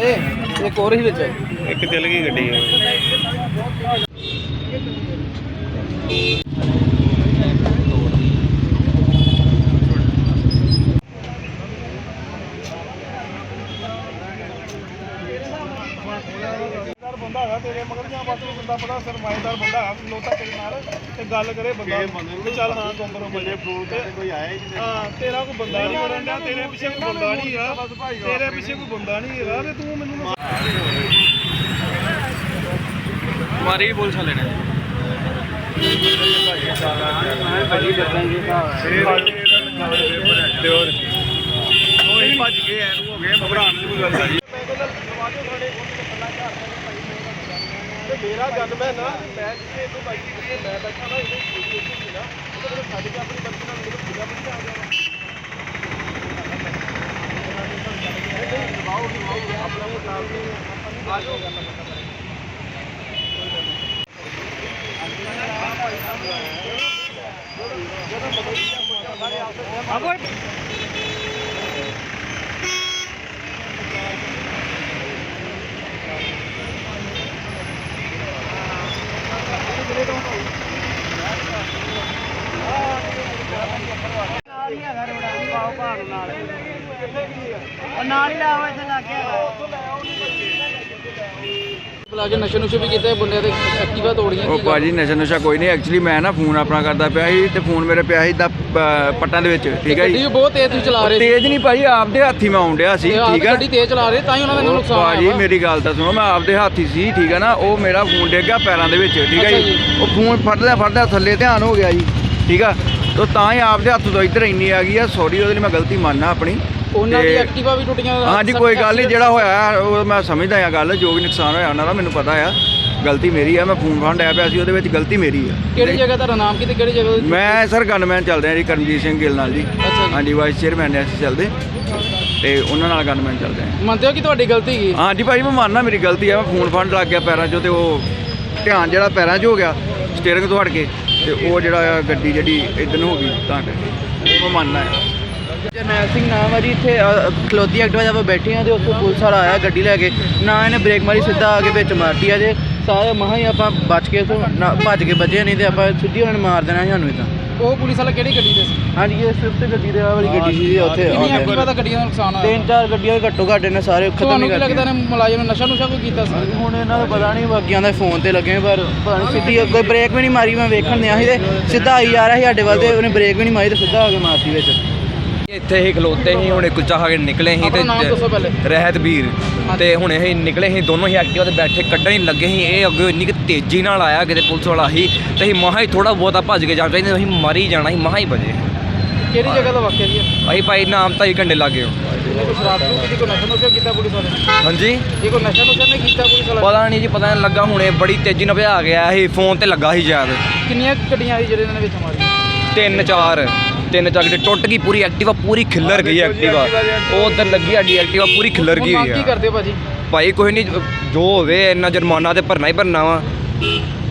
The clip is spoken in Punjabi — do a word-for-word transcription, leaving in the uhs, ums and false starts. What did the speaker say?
ਜੇ ਇੱਕ ਹੋਰ ਹੀ ਵਿੱਚ ਇੱਕ ਚੱਲ ਗਈ ਗੱਡੀ ਬੰਦਾ ਹੈਗਾ ਤੇਰੇ ਮਗਰ ਜਾਂ ਬਸ ਬੰਦਾ ਬੜਾ ਸਰਮਾਏਦਾਰ ਬੰਦਾ ਹੈ ਲੋਤਾ ਤੇਰੇ ਨਾਲ ਤੇ ਗੱਲ ਕਰੇ ਬੰਦਾ ਤੇ ਚੱਲ ਹਾਂ ਕੰਪਰੋਮਾਈਜ਼ ਜੇ ਫੋਨ ਤੇ ਕੋਈ ਆਇਆ ਹੀ ਨਹੀਂ ਹਾਂ ਤੇਰਾ ਕੋਈ ਬੰਦਾ ਨਹੀਂ ਵੜਨ ਡਿਆ ਤੇਰੇ ਪਿੱਛੇ ਕੋਈ ਬੰਦਾ ਨਹੀਂ ਹੈਗਾ ਤੇਰੇ ਪਿੱਛੇ ਕੋਈ ਬੰਦਾ ਨਹੀਂ ਹੈਗਾ ਤੇ ਤੂੰ ਮੈਨੂੰ ਮਾਰੀ ਪੁਲਿਸ ਵਾਲੇ ਨੇ ਬੜੀ ਦੱਸਾਂਗੇ ਤੇ ਹੋਰ ਉਹ ਹੀ ਭੱਜ ਗਏ ਐਨੂੰ ਹੋ ਗਏ ਘਬਰਾਉਣ ਦੀ ਕੋਈ ਗੱਲ ਨਹੀਂ ਮੇਰਾ ਗੱਲ ਮੈਂ ਨਾ ਮੈਂ ਜਿੱਥੇ ਇਹਨੂੰ ਬਾਈਕ ਤੇ ਮੈਂ ਬੈਠਾ ਨਾ ਇਹਦੇ ਵੀਡੀਓ ਸੀ ਨਾ ਉਹਦੇ ਕੋਲ ਛੱਡ ਕੇ ਆਪਣੀ ਬੱਚੀ ਨਾਲ ਮੈਨੂੰ ਪੂਰਾ ਬਣ ਆ ਗਿਆ ਨਹੀਂ ਦਬਾਓ ਦਬਾਓ ਆਪਣਾ ਉਹ ਨਾਲ ਤੇ ਆ ਜਾਓ ਗੱਲ ਆ ਕੋਈ ਨਾਲ ਹੀ ਲਾਓ ਇੱਥੇ ਲਾ ਕੇ ਬੁਲਾ ਕੇ ਨਸ਼ੇ ਨੁਸ਼ੇ ਵੀ ਕੀਤੇ ਬੰਦੇ ਤੇ ਐਕਟਿਵਾ ਤੋੜੀਆਂ ਉਹ ਭਾਜੀ ਨਸ਼ਾ ਨੁਸ਼ਾ ਕੋਈ ਨਹੀਂ ਐਕਚੁਅਲੀ ਮੈਂ ਨਾ ਫੋਨ ਆਪਣਾ ਕਰਦਾ ਪਿਆ ਸੀ ਤੇ ਫੋਨ ਮੇਰੇ ਪਿਆ ਸੀ ਦਾ ਪੱਟਾਂ ਦੇ ਵਿੱਚ ਠੀਕ ਹੈ ਜੀ ਗੱਡੀ ਬਹੁਤ ਤੇਜ਼ ਤੁਸੀਂ ਚਲਾ ਰਹੇ ਤੇਜ਼ ਨਹੀਂ ਭਾਜੀ ਆਪਦੇ ਹੱਥੀ ਮੈਂ ਆਉਣ ਡਿਆ ਸੀ ਠੀਕ ਹੈ ਗੱਡੀ ਤੇਜ਼ ਚਲਾ ਰਹੇ ਤਾਂ ਹੀ ਉਹਨਾਂ ਦਾ ਨੁਕਸਾਨ ਹੋਇਆ ਭਾਜੀ ਮੇਰੀ ਗੱਲ ਤਾਂ ਸੁਣੋ ਮੈਂ ਆਪਦੇ ਹੱਥੀ ਸੀ ਠੀਕ ਹੈ ਨਾ ਉਹ ਮੇਰਾ ਫੋਨ ਡਿੱਗ ਗਿਆ ਪੈਰਾਂ ਦੇ ਵਿੱਚ ਠੀਕ ਹੈ ਜੀ ਉਹ ਫੋਨ ਫੜਦਾ ਫੜਦਾ ਥੱਲੇ ਧਿਆਨ ਹੋ ਗਿਆ ਜੀ ਠੀਕ ਆ ਤੇ ਤਾਂ ਹੀ ਆਪਦੇ ਹੱਥ ਤੋਂ ਇੱਧਰ ਇੰਨੀ ਆ ਗਈ ਆ ਸੌਰੀ ਉਹਦੇ ਲਈ ਮੈਂ ਗਲਤੀ ਮੰਨਣਾ ਆਪਣੀ ਉਹਨਾਂ ਦੀ ਐਕਟਿਵਾ ਵੀ ਟੁੱਟੀਆਂ ਹਾਂਜੀ ਕੋਈ ਗੱਲ ਨਹੀਂ ਜਿਹੜਾ ਹੋਇਆ ਉਹ ਮੈਂ ਸਮਝਦਾ ਆ ਗੱਲ ਜੋ ਵੀ ਨੁਕਸਾਨ ਹੋਇਆ ਉਹਨਾਂ ਦਾ ਮੈਨੂੰ ਪਤਾ ਆ ਗਲਤੀ ਮੇਰੀ ਆ ਮੈਂ ਫੋਨ ਫੜ ਆਇਆ ਪਿਆ ਸੀ ਉਹਦੇ ਵਿੱਚ ਗਲਤੀ ਮੇਰੀ ਆ ਕਿਹੜੀ ਜਗ੍ਹਾ ਤੁਹਾਡਾ ਨਾਮ ਕੀ ਤੇ ਕਿਹੜੀ ਜਗ੍ਹਾ ਮੈਂ ਸਰ ਗਨਮੈਨ ਚੱਲਦੇ ਆ ਜੀ ਕਰਮਜੀਤ ਸਿੰਘ ਗਿੱਲ ਨਾਲ ਜੀ ਹਾਂਜੀ ਵਾਈਸ ਚੇਅਰਮੈਨ ਨੇ ਅਸੀਂ ਚੱਲਦੇ ਤੇ ਉਹਨਾਂ ਨਾਲ ਗਨਮੈਨ ਚੱਲਦੇ ਆ ਮੰਨਦੇ ਹੋ ਕਿ ਤੁਹਾਡੀ ਗਲਤੀ ਕੀ ਹਾਂਜੀ ਭਾਈ ਮੈਂ ਮੰਨਣਾ ਮੇਰੀ ਗਲਤੀ ਆ ਮੈਂ ਫੋਨ ਫੜ ਲੱਗ ਗਿਆ ਪੈਰਾਂ 'ਚੋਂ ਤੇ ਉਹ ਧਿਆਨ ਜਿਹੜਾ ਪੈਰਾਂ 'ਚ ਹੋ ਗਿਆ ਸਟੀਅਰਿੰਗ ਤੋਂ ਹਟ ਕੇ ਤੇ ਉਹ ਜਿਹੜਾ ਆ ਗੱਡੀ ਜਿਹੜੀ ਇੱਧਰ ਨੂੰ ਹੋ ਗਈ ਤਾਂ ਕਰਕੇ ਉਹ ਮੈਂ ਮੰਨਣਾ ਹੈ ਜਰਨੈਲ ਸਿੰਘ ਨਾਮ ਹੈ ਜੀ ਇੱਥੇ ਖਲੋਤੀ ਐਕਟਿਵਾ ਜਦ ਬੈਠੇ ਆ ਤੇ ਉੱਥੋਂ ਪੁਲਿਸ ਵਾਲਾ ਆਇਆ ਗੱਡੀ ਲੈ ਕੇ ਨਾ ਇਹਨੇ ਬ੍ਰੇਕ ਮਾਰੀ ਸਿੱਧਾ ਆ ਕੇ ਵਿੱਚ ਮਾਰਤੀ ਆ ਜੇ ਸਾਰੇ ਮਹਾਂ ਹੀ ਆਪਾਂ ਬਚ ਕੇ ਤੋਂ ਭੱਜ ਕੇ ਬਚੇ ਨਹੀਂ ਤੇ ਆਪਾਂ ਸਿੱਧੀ ਉਹਨਾਂ ਨੇ ਮਾਰ ਦੇਣਾ ਸਾਨੂੰ ਇਦਾਂ ਉਹ ਪੁਲਿਸ ਵਾਲਾ ਕਿਹੜੀ ਗੱਡੀ ਤੇ ਸੀ ਹਾਂਜੀ ਇਹ ਸਵਿਫਟ ਗੱਡੀ ਦੇ ਆ ਵਾਲੀ ਗੱਡੀ ਸੀ ਉੱਥੇ ਕਿੰਨੀ ਐਕਟਿਵਾ ਦਾ ਗੱਡੀਆਂ ਦਾ ਨੁਕਸਾਨ ਹੋਇਆ ਤਿੰਨ ਚਾਰ ਗੱਡੀਆਂ ਘੱਟੋ ਘੱਟ ਨੇ ਸਾਰੇ ਖਤਮ ਹੀ ਕਰ ਦਿੱਤੇ ਲੱਗਦਾ ਨੇ ਮੁਲਾਜ਼ਮ ਨੇ ਨਸ਼ਾ ਨੁਸ਼ਾ ਕੋਈ ਕੀਤਾ ਸੀ ਹੁਣ ਇਹਨਾਂ ਦਾ ਪਤਾ ਨਹੀਂ ਬਾਕੀਆਂ ਦਾ ਫੋਨ ਤੇ ਲੱਗੇ ਪਰ ਪਤਾ ਨਹੀਂ ਸਿੱਧੀ ਕੋਈ ਬ੍ਰੇਕ ਵੀ ਨਹੀਂ ਮਾਰੀ ਮੈਂ ਵੇਖਣ ਦਿਆ ਸੀ ਤੇ ਸਿੱਧਾ ਆਈ ਜਾ ਰਿਹਾ ਸੀ ਸਾਡੇ ਵੱਲ ਤੇ ਉਹਨੇ ਬ੍ਰੇਕ ਵੀ ਨਹੀਂ ਮਾਰੀ ਤੇ ਸਿੱਧਾ ਆ ਕੇ ਮਾਰਤੀ ਵਿੱਚ ਇੱਥੇ ਹੀ ਖਲੋਤੇ ਸੀ ਹੁਣੇ ਕੁਲਚਾ ਖਾ ਕੇ ਨਿਕਲੇ ਸੀ ਤੇ ਰਹਿਤ ਵੀਰ ਤੇ ਹੁਣੇ ਅਸੀਂ ਨਿਕਲੇ ਸੀ ਦੋਨੋਂ ਹੀ ਐਕਟਿਵਾ ਤੇ ਬੈਠੇ ਕੱਢਣ ਹੀ ਲੱਗੇ ਸੀ ਇਹ ਅੱਗੇ ਇੰਨੀ ਕਿ ਤੇਜ਼ੀ ਨਾਲ ਆਇਆ ਕਿਤੇ ਪੁਲਿਸ ਵਾਲਾ ਸੀ ਤੇ ਅਸੀਂ ਮਹਾ ਹੀ ਥੋੜਾ ਬਹੁਤਾ ਭੱਜ ਕੇ ਜਾਣਾ ਚਾਹੀਦਾ ਅਸੀਂ ਮਾਰੀ ਜਾਣਾ ਸੀ ਮਹਾ ਹੀ ਵਜੇ ਕਿਹੜੀ ਜਗ੍ਹਾ ਦਾ ਵਾਕਿਆ ਜੀ ਅਸੀਂ ਭਾਈ ਨਾਮ ਤਾਂ ਹੀ ਘੰਟੇ ਲੱਗ ਗਏ ਕੋਈ ਸ਼ਰਾਬ ਨੂੰ ਕਿਤੇ ਕੋਈ ਨਸ਼ਾ ਨੁਸ਼ਾ ਕੀਤਾ ਪੁਲਿਸ ਵਾਲੇ ਹਾਂਜੀ ਇਹ ਕੋਈ ਨਸ਼ਾ ਨੁਸ਼ਾ ਨਹੀਂ ਕੀਤਾ ਪੁਲਿਸ ਵਾਲਾ ਪਤਾ ਨਹੀਂ ਜੀ ਪਤਾ ਨਹੀਂ ਲੱਗਾ ਹੁਣੇ ਬੜੀ ਤੇਜ਼ੀ ਨਾਲ ਭਜਾ ਗਿਆ ਸੀ ਫੋਨ ਤੇ ਲੱਗਾ ਸੀ ਸ਼ਾਇਦ ਕਿੰਨੀਆਂ ਗੱਡੀਆਂ ਆਈ ਜਿਹੜੇ ਇਹਨਾਂ ਨੇ ਵਿੱਚ ਮਾਰੀ ਤਿੰਨ ਚਾਰ ਤਿੰਨ ਚਾਰ ਗੱਡੀ ਟੁੱਟ ਗਈ ਪੂਰੀ ਐਕਟਿਵਾ ਪੂਰੀ ਖਿੱਲਰ ਗਈ ਐਕਟਿਵਾ ਉਹ ਉੱਧਰ ਲੱਗੀ ਸਾਡੀ ਐਕਟਿਵਾ ਪੂਰੀ ਖਿੱਲਰ ਗਈ ਹੋਈ ਆ ਕੀ ਕਰਦੇ ਭਾਜੀ ਭਾਈ ਕੋਈ ਨਹੀਂ ਜੋ ਹੋਵੇ ਇੰਨਾ ਜੁਰਮਾਨਾ ਤੇ ਭਰਨਾ ਹੀ ਭਰਨਾ ਵਾ